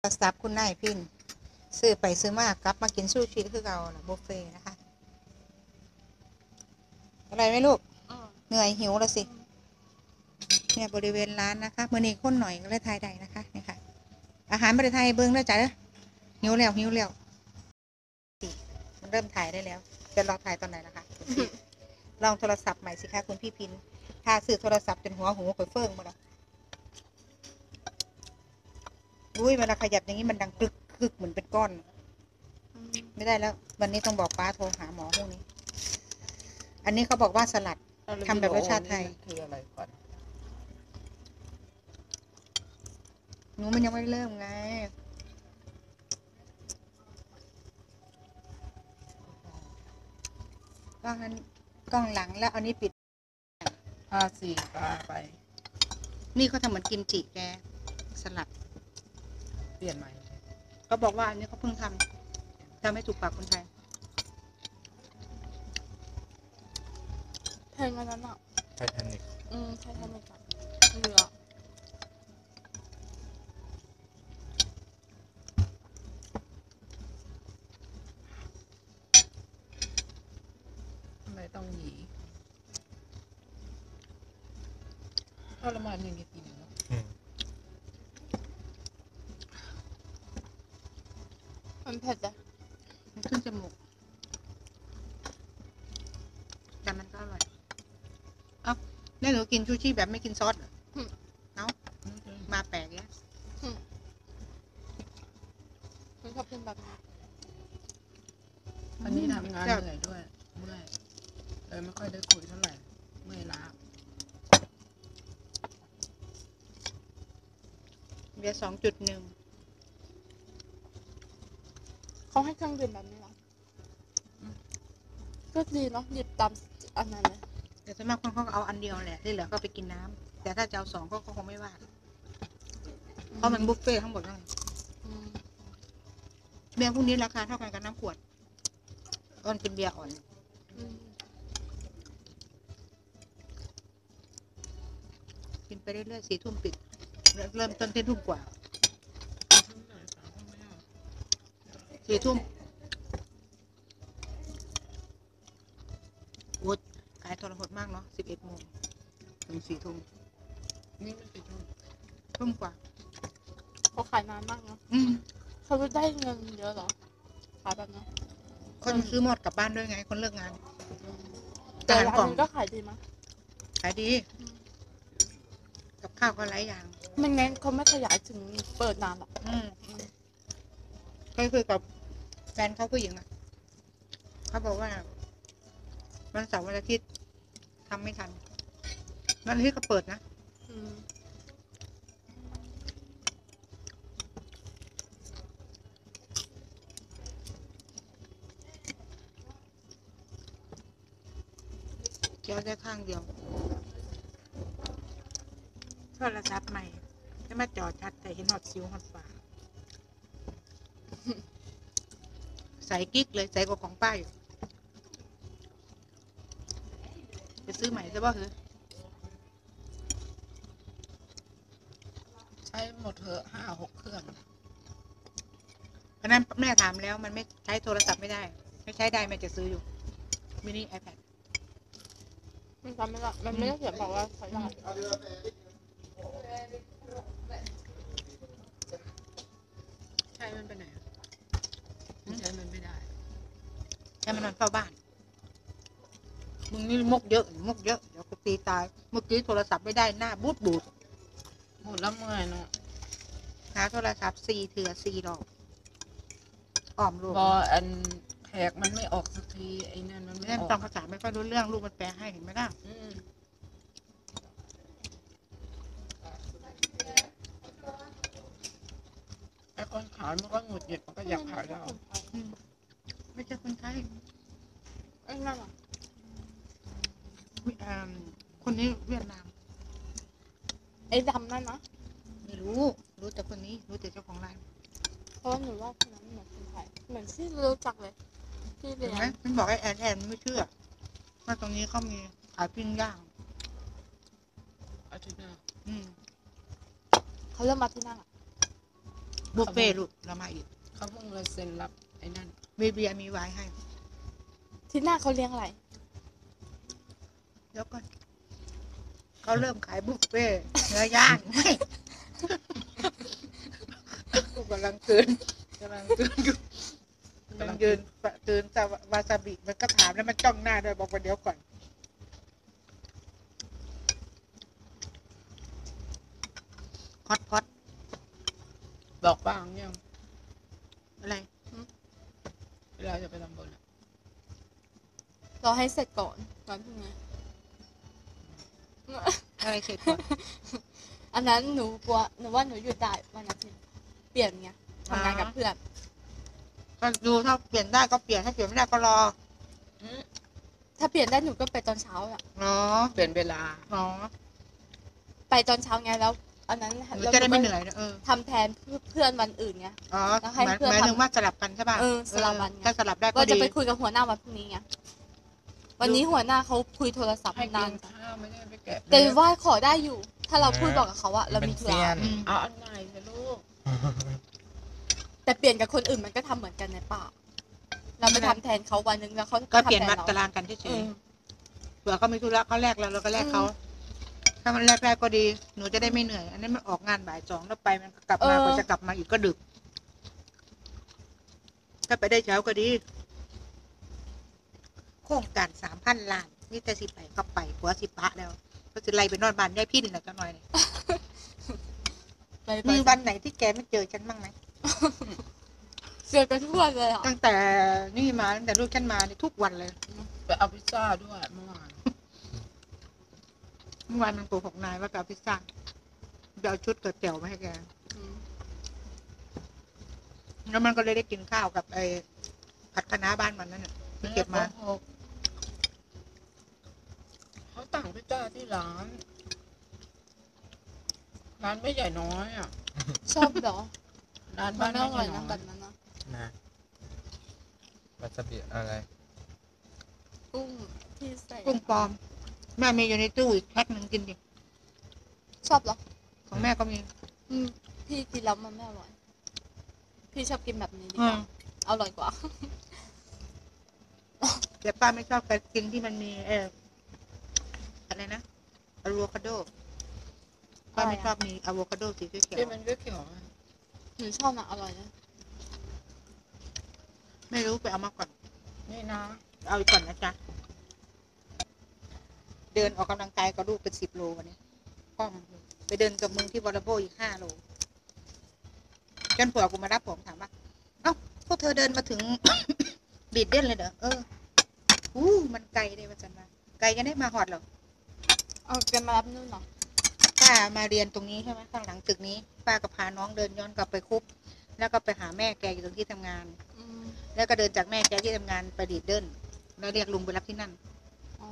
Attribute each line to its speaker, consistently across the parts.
Speaker 1: ซับคุณนายพินซื้อไปซื้อมากลับมากินซูชิคือเราบุฟเฟ่นะคะอะไรไหมลูกเหนื่อยหิวแล้วสิเนี่ยบริเวณร้านนะคะเมื่อนี้คนหน่อยก็เลยทายได้นะคะนี่ค่ะอาหารประเทศไทยเบิ้งแล้วจ้ะหิวแล้วมันเริ่มถ่ายได้แล้วจะลองถ่ายตอนไหนนะคะลองโทรศัพท์ใหม่สิคะคุณพี่พินถ้าซื้อโทรศัพท์จนหัวหูข่อยเฟิ่งมาแล้วอุ้ยเวลาขยับอย่างนี้มันดังกึกกึกเหมือนเป็นก้อนไม่ได้แล้ววันนี้ต้องบอกป้าโทรหาหมอพวกนี้อันนี้เขาบอกว่าสลัดทำแบบรสชาติไทย
Speaker 2: คืออะไรก่อน
Speaker 1: หนูมันยังไม่เริ่มไงกล้องนั้นกล้องหลังแล้วอันนี้ปิด
Speaker 2: 54ปลาไป
Speaker 1: นี่เขาทำเหมือนกิมจิแกสลัด
Speaker 2: เปลี่ยนใหม่
Speaker 1: เขาบอกว่าอันนี้เขาเพิ่งทำให้ถูกปากคนไทย
Speaker 3: เพลงอันนั้นอ่ะ
Speaker 2: ไททานิก
Speaker 3: ไททานิกอะเรือ
Speaker 2: ทำไมต้องหยีทรมานอย่างนี้กินเนาะ
Speaker 3: มันเผ็ดอะ
Speaker 1: มันขึ้นจมูกแต่มันก็อร่อยเอ้าแม่หนูกินชูชีแบบไม่กินซอสเหรอเอ้ามาแปลกเนี่ย
Speaker 3: มันชอบกินแบบนี้
Speaker 2: วันนี้ทำงานเหนื่อยด้วยเมื่อยเลยไม่ค่อยได้คุยเท่าไหร่เมื่อยล้า
Speaker 1: เบียร์2.1
Speaker 3: เขาให้เครื่องดื่มแบบนี้เหรอก็ดีเนาะหยิบตามอันนั้นเลย
Speaker 1: แต่ส่วนมากคนเขาก็เอาอันเดียวแหละที่เหลือก็ไปกินน้ำแต่ถ้าจะเอา2ก็คงไม่ว่าเพราะมันบุฟเฟ่ทั้งหมดเลยเบียร์พวกนี้ราคาเท่ากันกับน้ำขวดมันเป็นเบียร์อ่อนกินไปเรื่อยๆ4 ทุ่มปิดเริ่มต้นที่ทุ่มกว่า4 ทุ่มโอ้ขายทรหดมากเนาะ11 โมงถึง4 ทุ่ม
Speaker 2: นี่ไม่กี่ทุ่ม
Speaker 1: ทุ่มกว่า
Speaker 3: เขาขายนานมากเนาะเขาได้เงินเยอะเหรอขายแบบนี้
Speaker 1: คนซื้อหมดกลับบ้านด้วยไงคนเลิกงาน
Speaker 3: แต่ร้านนี้ก็ขายดีมั้ย
Speaker 1: ขายดีกับข้าวก็หลายอย่าง
Speaker 3: ไม่งั้นเขาไม่ขยายถึงเปิดนานหรอก
Speaker 1: ก็คือกับแฟนเขาผู้หญิงอ่ะเขาบอกว่าวันเสาร์วันอาทิตย์ทำไม่ทันวันอาทิตย์ก็เปิดนะเกี่ยวได้ข้างเดียวโทรศัพท์ใหม่จะมาจอชัดแต่เห็นหอดซิวหอดฝาใส่กิ๊กเลยใส่กว่าของป้าอยู่ไปซื้อใหม่ใช่ป่ะคือ
Speaker 2: ใช้หมดเถอะ5-6 เครื่อง
Speaker 1: เพราะนั้นแม่ถามแล้วมันไม่ใช้โทรศัพท์ไม่ได้ไม่ใช้ได้แม่จะซื้ออยู่มินิ iPad
Speaker 3: มันทำไม่ได้มันไม่ได้เขียนบอกว่าใช้ได้
Speaker 2: ใช้มันไปไหนใช้มันไม่ได้
Speaker 1: ใช้มันนอนเฝ้าบ้านมึงนี่มกเยอะเดี๋ยวกูตีตายเมื่อกี้โทรศัพท์ไม่ได้หน้าบูด
Speaker 2: หมดแล้วเมื่อยเนาะ
Speaker 1: หาโทรศัพท์4 เถื่อ4 ดอกอ้อมลูก
Speaker 2: พออันแขกมันไม่ออกสักทีไอ้นั่นมันไม่ออก
Speaker 1: ฟังภาษาไม่ค่อยรู้เรื่องลูกมันแปลให้เห็นไหมล่ะ
Speaker 2: ไอ้คนขายมันก็หงุดหงิดมันก็อยากขายเรา
Speaker 1: ไม่ใช่คนไทย
Speaker 3: ไอ้นั่นอ่ะ
Speaker 1: คนนี้เวียดนาม
Speaker 3: ไอ้ดำนั่นนะ
Speaker 1: ไม่รู้แต่คนนี้รู้แต่เจ้าของร้าน
Speaker 3: เพราะหนูว่าคนนั้นเหมือนคนไทยเหมือนที่รู้จักเลยที่เรียน
Speaker 1: มันบอกไอ้แอนไม่เชื่อว่าตรงนี้เขามีขายปิ้งย่าง
Speaker 2: อาทิตย์หน้า
Speaker 3: เขาเริ่มมาที่นั่น
Speaker 1: บุฟเฟ่ต์ลูกเรามาอีก
Speaker 2: เขาเพิ่งเลยเซ็นรับไอ้นั่น
Speaker 1: มีเบียร์มีไวน์ให้
Speaker 3: ที่หน้าเขาเลี้ยงอะไร
Speaker 1: เดี๋ยวก่อนเขาเริ่มขายบุฟเฟ่ต์เนื้อย่างไม่กูกำลังตื่นอยู่กำลังยืนตื่นแต่วาซาบิมันก็ถามแล้วมันจ้องหน้าด้วยบอกว่าเดี๋ยวก่อนฮอตพอต
Speaker 2: บอกบ้างยัง
Speaker 1: อะไร
Speaker 2: เวลาจะไปทำบุญอะ
Speaker 3: เราให้เสร็จก่อนวันพรุ่งนี้
Speaker 1: อะไรเสร็จก่อน
Speaker 3: อันนั้นหนูกลัวหนูว่าหนูหยุดได้วันอาทิตย์เปลี่ยนไงทำงานกับเพื่อน
Speaker 1: ก็ดูถ้าเปลี่ยนได้ก็เปลี่ยนถ้าเปลี่ยนไม่ได้ก็รอ
Speaker 3: ถ้าเปลี่ยนได้หนูก็ไปตอนเช้าอะ
Speaker 1: เนาะ
Speaker 2: เปลี่ยนเวลา
Speaker 1: เนาะ
Speaker 3: ไปตอนเช้าไงแล้ว อันนั้น
Speaker 1: หนูจะได้ไม่เหนื่อยนะ
Speaker 3: ทำแทนเพื่อนวันอื่นไง
Speaker 1: อ๋อ
Speaker 3: แล้วให้
Speaker 1: หมาย
Speaker 3: เพื่อน
Speaker 1: หมาย
Speaker 3: ทำ
Speaker 1: ถึงว่าสลับกันใช่ป่ะ
Speaker 3: สลับวันไง
Speaker 1: ถ้าสลับได้ก็
Speaker 3: ว่าจะ
Speaker 1: ดี
Speaker 3: ไปคุยกับหัวหน้าวันพรุ่งนี้ไงวันนี้หัวหน้าเขาคุยโทรศัพท์
Speaker 2: ให้
Speaker 3: นา
Speaker 2: กิ
Speaker 3: น
Speaker 2: นข้าวไม่ได้ไปแกะ
Speaker 3: แต่ว่าขอได้อยู่ ถ้าเราพูดบอกกับเขาอะเรามีธุ
Speaker 4: เป็นเซีย
Speaker 3: ระ
Speaker 4: น
Speaker 1: อืม
Speaker 2: เอาอันไหนสิลูก
Speaker 3: แต่เปลี่ยนกับคนอื่นมันก็ทำเหมือนกันในป่าเราไปทำแทนเขาวันนึงแล้วเขา
Speaker 1: ก็เปลี่ยน
Speaker 3: ทำแท
Speaker 1: มา
Speaker 3: เรา
Speaker 1: ตารางกันเฉ
Speaker 3: เอย อ
Speaker 1: ๆเผื่อเขามีธุระเขาแลกเราก็แลกเขา ถ้ามันแลกได้ก็ดี หนูจะได้ไม่เหนื่อย อันนี้มันออกงานบ่ายสองแล้วไปมันกลับมาพอจะกลับมาอีกก็ดึก ถ้าไปได้เช้าก็ดี โครงการ3,000 ล้านนี่แต่สิไปก็ไปหัวสิปะแล้ว ก็จะไล่ไปนอนบ้านได้พี่นี่แหละจังหน่อยเนี่ย
Speaker 3: ไป
Speaker 1: มีวันไหนที่แกไม่เจอฉันบ้างไหม
Speaker 3: เจอกันทุกวันเลยอ่ะ
Speaker 1: ตั้งแต่นี่มาตั้งแต่ลูกฉันมานี่ทุกวันเลย
Speaker 2: ไปเอาพิซซ่าด้วยเมื่อวาน
Speaker 1: เมื่อวานมันโกหกนายว่าจะเอาพิซซ่าจะเอาชุดเกิดเตี๋ยวมาให้แก
Speaker 3: อืม
Speaker 1: แล้วมันก็เลยได้กินข้าวกับไอ้ผัดคะน้าบ้านมันนั่นน่ะที่เก็บมา
Speaker 2: เขาสั่งพิซซ่าที่ร้าน ร้านไม่ใหญ่น้อยอ่ะ
Speaker 3: ชอบเหรอ
Speaker 2: ร้าน
Speaker 3: มั
Speaker 2: บ้าน น
Speaker 3: ไม่
Speaker 2: ไม่
Speaker 3: อ
Speaker 2: ให
Speaker 3: ร่อ
Speaker 2: ญ่
Speaker 3: ย
Speaker 2: น้
Speaker 3: นะ
Speaker 2: อย
Speaker 3: แบบนั้นนะ
Speaker 4: นะวาซาบิอะไร
Speaker 3: กุ้งที่ใส่
Speaker 1: กุ้งปลอม แม่มีอยู่ในตู้อีกแพ็คหนึ่งกินดิ
Speaker 3: ชอบเหรอ
Speaker 1: ของแม่ก็มี
Speaker 3: อืมพี่กินแล้วมันไม่อร่อย พี่ชอบกินแบบนี้ดี
Speaker 1: อื
Speaker 3: กว่าม อร่อยกว่า
Speaker 1: แต่ป้าไม่ชอบการกินที่มันมีอะไรนะอะโวคาโดป้าไม่ชอบมีอะโวคาโดสีเขียว
Speaker 2: ที่มันก็เขียวๆอะ
Speaker 3: หนูชอบนะอร่อยนะ
Speaker 1: ๆไม่รู้ไปเอามาก่อน
Speaker 2: นี่นะ
Speaker 1: เอาอีกก่อนนะจ๊ะ เดินออกกำลังกายกับลูกเป็น10 โลวันนี้ป้อมไปเดินกับมึงที่วอลเลย์บอลอีก5 โลจนผัวกูมารับผมถามว่า เอ้าพวกเธอเดินมาถึง บีดเด่นเลยเหรอมันไกลเลยว่าจันว่าไกลกันได้มาหอดเหรอ
Speaker 3: เอาแกมารับนู่นเหรอ
Speaker 1: ป้ามาเรียนตรงนี้ใช่ไหมข้างหลังตึกนี้ ป้าก็พาน้องเดินย้อนกลับไปคุบแล้วก็ไปหาแม่แกอยู่ตรงที่ทำงาน
Speaker 3: อืม
Speaker 1: แล้วก็เดินจากแม่แกที่ทำงานไปดีดเดินแล้วเรียกลุงไปรับที่นั่น
Speaker 3: อ๋อ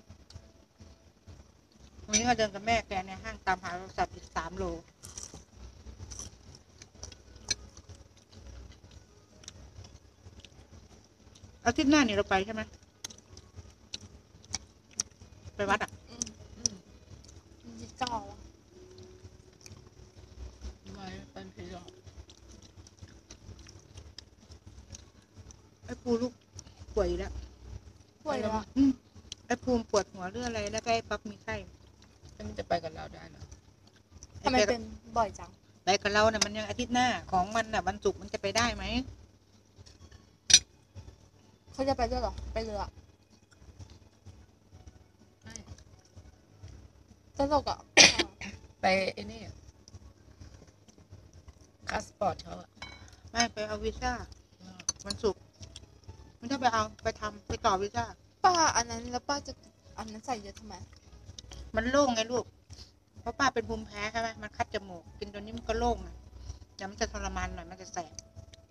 Speaker 1: วันนี้ก็เดินกับแม่แกในห้างตามหาโทรศัพท์อีก3 โลอาทิตย์หน้านี่เราไปใช่ไหมไปวัดอ่ะ
Speaker 3: อืมที่เก้าอะ
Speaker 2: ไว้เป็นผีหลอก
Speaker 1: ไอ้ปูลูกป่วยอยู่แล้ว
Speaker 3: ป่วยแล้วอะ
Speaker 1: ไอ้ภูมิปวดหัวเรื่องอะไรแล้วก็ไอ้ปั๊บมีไข้
Speaker 2: แล้วมันจะไปกับเราได้เหรอ
Speaker 3: ทำไมเป็นบ่อยจัง
Speaker 1: ไปกับเราเนี่ยมันยังอาทิตย์หน้าของมันน่ะวันศุกร์มันจะไปได้ไหม
Speaker 3: เขาจะไปด้วยเหรอ ไปเรือ
Speaker 2: ใช่
Speaker 3: ตลกอ่ะ
Speaker 2: ไปไอ้นี่คาสปอร์ตเขาอะ
Speaker 1: ไม่ไปเอาวีซ่าวันศุกร์ไม่ต้องไปเอาไปทำไปต่อวีซ่า
Speaker 3: ป้าอันนั้นแล้วป้าจะอันนั้นใส่เยอะทำไม
Speaker 1: มันโล่งไงลูกเพราะป้าเป็นภูมิแพ้ใช่ไหมมันคัดจมูกกินตัวนี้มันก็โล่งอ่ะแต่มันจะทรมานหน่อยมันจะแสบ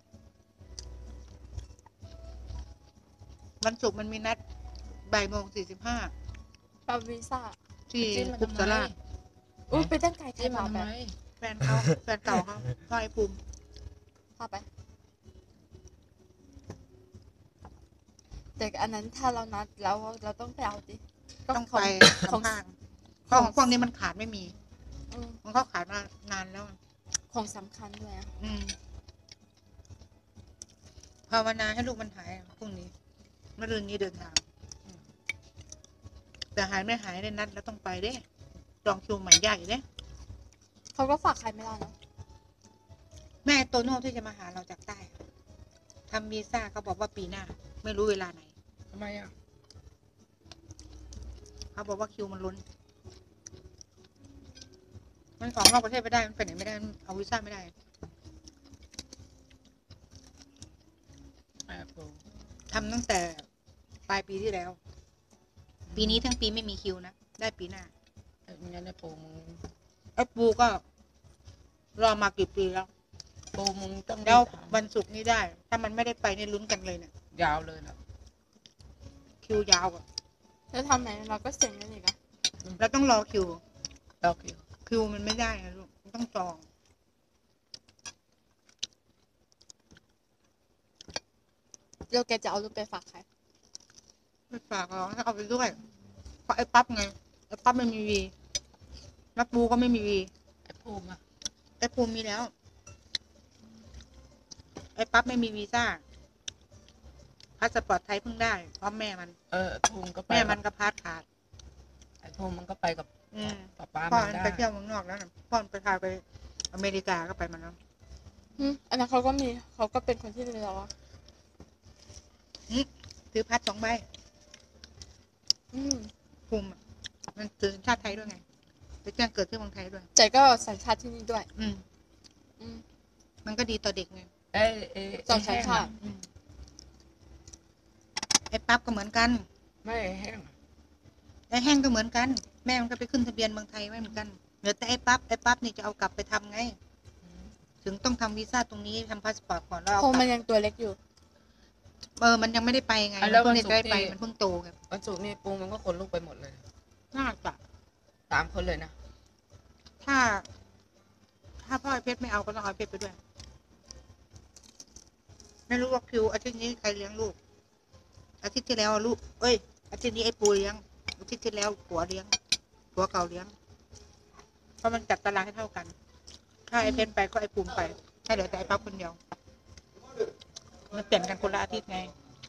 Speaker 1: วันศุกร์มันมีนัด13:45
Speaker 3: ป้าวีซ่า
Speaker 1: ที่
Speaker 2: จิ้มมัน
Speaker 1: คุป
Speaker 2: ทำ
Speaker 1: สา
Speaker 2: ไม
Speaker 1: รา
Speaker 3: อุ้ยไปตั้งไกลใคร
Speaker 2: จิ้มมั
Speaker 3: พาน
Speaker 2: ทำ
Speaker 3: ไป
Speaker 2: ไม
Speaker 1: แฟนเขาแฟนเก่าเขาพ่อไอ้ภูมิ
Speaker 3: พาไป แต่อันนั้นถ้าเรานัดแล้วเราต้องไปเอาดิ
Speaker 1: ต้องไป
Speaker 3: ของ
Speaker 1: ข้างๆเพราะของพวกนี้มันขาดไม่มี
Speaker 3: อืม
Speaker 1: มันเขาขายมานานแล้ว
Speaker 3: ของสำคัญด้วยอะ
Speaker 1: ภาวนาให้ลูกมันหายพรุ่งนี้มะรืนนี้เดินทางแต่หายไม่หายได้นัดแล้วต้องไปเด้จองคิวใหม่ยากอีกเด้
Speaker 3: เขาก็ฝากใครไม่ได้เนอะ
Speaker 1: แม่โตโน่ที่จะมาหาเราจากใต้ทำวีซ่าเขาบอกว่าปีหน้า ไม่รู้เวลาไหน
Speaker 2: ทำไมอ่ะ
Speaker 1: เขาบอกว่าคิวมันล้นมันออกนอกประเทศไม่ได้มันไปไหนไม่ได้มันเอาวีซ่าไม่ได้
Speaker 2: แอบดู
Speaker 1: ทำตั้งแต่ปลายปีที่แล้ว ปีนี้ทั้งปีไม่มีคิวนะได้ปีหน้า
Speaker 2: ไอ้งั้นไอ้ปูมึง
Speaker 1: ไอ้ปูก็รอมากี่ปีแล้ว
Speaker 2: ปูมึงต้อง
Speaker 1: แล้ว
Speaker 2: รีบท
Speaker 1: วันศุกร์นี้ได้ ถ้ามันไม่ได้ไปนี่ลุ้นกันเลยเนี่ย
Speaker 2: ำยาวเลยนะ
Speaker 1: คิวยาวอะ
Speaker 3: แล้วทำไหนเราก็เซ็งนั่นอีกอะ
Speaker 1: แล้วต้องรอคิว
Speaker 2: ดอกอยู่
Speaker 1: คิวมันไม่ได้นะลูกมันต้องจอง
Speaker 3: เดี๋ยวแกจะเอาลูกไปฝากใคร
Speaker 1: ไม่ฝากหรอกให้เอาไปด้วยเพราะไอ้ปั๊บไงไอ้ปั๊บไม่มีวีแล้วปูก็ไม่มีวี
Speaker 2: ไอ้ปูมา
Speaker 1: ไอ้ปูมีแล้ว ไอ้ปั๊บไม่มีวีซ่าพาสปอร์ตไทยเพิ่งได้เพราะแม่มัน
Speaker 2: ไอ้ปูมันก็ไป
Speaker 1: แม่มันก็พาสขาด
Speaker 2: ไอ้ปูมันก็ไปกับ
Speaker 1: อืม
Speaker 2: ป้า
Speaker 1: พ่อ
Speaker 2: มั
Speaker 1: มัน น
Speaker 2: ได้
Speaker 1: ไปเที่ยวเมืองนอกแล้วนะพ่อมันไปพาไปอเมริกาก็ไปมาแล้ว
Speaker 3: อันนั้นเขาก็มีเขาก็เป็นคนที่ดีแล้วอะ
Speaker 1: ซื้อพัด2 ใบ
Speaker 3: อืม
Speaker 1: ภูมิอะมันซื้อชาติไทยด้วยไงไปแจ้งเกิดที่เมืองไทยด้วย
Speaker 3: ใจก็สัญชาติที่นี่ด้วย
Speaker 1: อืม
Speaker 3: อืม
Speaker 1: มันก็ดีต่อเด็กไง
Speaker 2: ไอ้
Speaker 3: สองสัญชาติ
Speaker 1: อืมไอ้ปั๊บก็เหมือนกัน
Speaker 2: ไม่แห้ง
Speaker 1: ไอ้แห้งก็เหมือนกัน แม่มันก็ไปขึ้นทะเบียนเมืองไทยไว้เหมือนกันเหลือแต่ไอ้ปั๊บนี่จะเอากลับไปทำไง ถึงต้องทำวีซ่าตรงนี้ทำพาสปอร์ตก่อนแล้วเอา
Speaker 3: เพราะ
Speaker 1: ก
Speaker 3: มัน
Speaker 1: ลับ
Speaker 3: ยังตัวเล็กอยู่
Speaker 1: มันยังไม่ได้ไปไงมันเพิ่งได้ไปมันเพิ่งโตไง
Speaker 2: วันศุกร์นี่ปูมันก็คนลูกไปหมดเลย
Speaker 1: น่าจะ
Speaker 2: 3 คนเลยนะ
Speaker 1: ถ้าพ่อไอ้เพชรไม่เอาก็ต้องเอาไอ้เพชรไปด้วย ไม่รู้ว่าคิวอาทิตย์นี้ใครเลี้ยงลูก อาทิตย์ที่แล้วลูก เอ้ย อาทิตย์นี้ไอ้ปูเลี้ยง อาทิตย์ที่แล้วผัวเลี้ยง ผัวเก่าเลี้ยง เพราะมันจัดตารางให้เท่ากัน ถ้าไอ้เพชรไปก็ไอ้ปูมไปให้เหลือแต่ไอ้ปั๊บคนเดียว มันเปลี่ยนกันคนละอาทิตย์ไง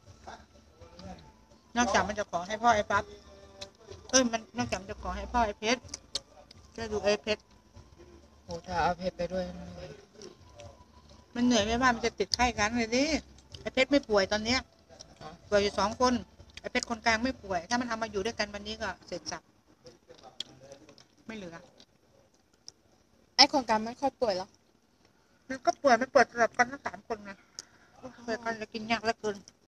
Speaker 1: นอกจากมันจะขอให้พ่อไอ้ปั๊บมันนอกจากมันจะขอให้พ่อไอ้เพชรจะดูไอ้เพชร
Speaker 2: โอ้ถ้าเอาเพชรไปด้วย
Speaker 1: มันเหนื่อยไม่ว่ามันจะติดไข้กันเลยดิไอ้เพชรไม่ป่วยตอนเนี้ยป่วยอยู่2 คนไอ้เพชรคนกลางไม่ป่วย ถ้ามันเอามาอยู่ด้วยกันวันนี้ก็เสร็จสับไม่เหลือ
Speaker 3: ไอ้โครงการไม่ค่อยป่วยหรอ
Speaker 1: มันก็ป่วยไม่ป่วยสลับกันทั้ง3 คนไงป่วยกันจะกินยากเหลือเกิน